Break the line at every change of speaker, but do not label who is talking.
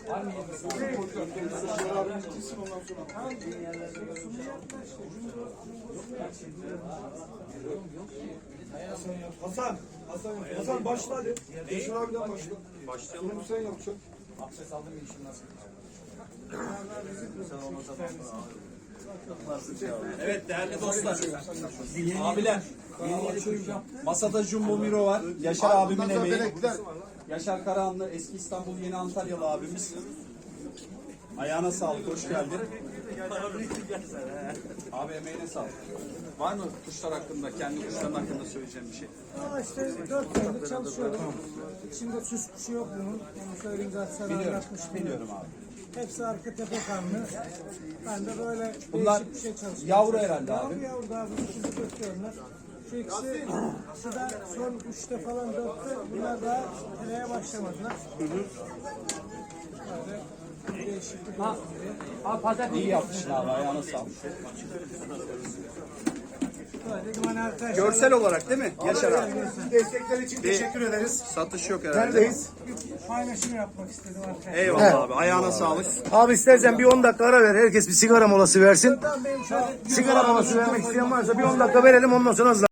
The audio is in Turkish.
Hasan başla hadi. Yaşar abiden başla. Başlayalım. Bunu sen yapacaksın.
Abdest aldım ya işim nasıl?
Evet değerli dostlar, abiler, masada Jumbo Miro var, Yaşar abimin emeği, Yaşar Karahanlı, eski İstanbul Yeni Antalyalı abimiz. Ayağına sağlık, hoş geldin. Abi emeğine sağlık. Var mı kuşlar hakkında, kendi kuşların hakkında söyleyeceğim bir şey?
İşte 4 senedir çalışıyorum. İçinde süs kuşu yok bunun. Onu söyleyeyim zaten anlatmıştım.
Biliyorum abi.
Hepsi arka tepe kanlı. Ben de böyle
Bunlar
değişik bir şey çalışıyorum.
yavru herhalde abi.
Yavru da abi. İkisi götürüyorlar. Şu ikisi şu da son 3'te falan 4'te. Bunlar daha teleye başlamadılar. Böyle değişiklik olsun diye.
İyi yapmışsın abi, ayağına sağlık.
Böyle duman arkadaşlar.
Görsel olarak değil mi Yaşar abi?
Destekler için teşekkür ederiz.
Satış yok herhalde.
Neredeyiz?
Paylaşım yapmak istedim arkadaşlar.
Eyvallah abi, ayağına sağlık.
Abi istersen bir 10 dakika ara ver. Herkes bir sigara molası versin.
Ben benim şöyle
Sigara molası vermek isteyen varsa bir 10 dakika verelim ondan sonra hızla.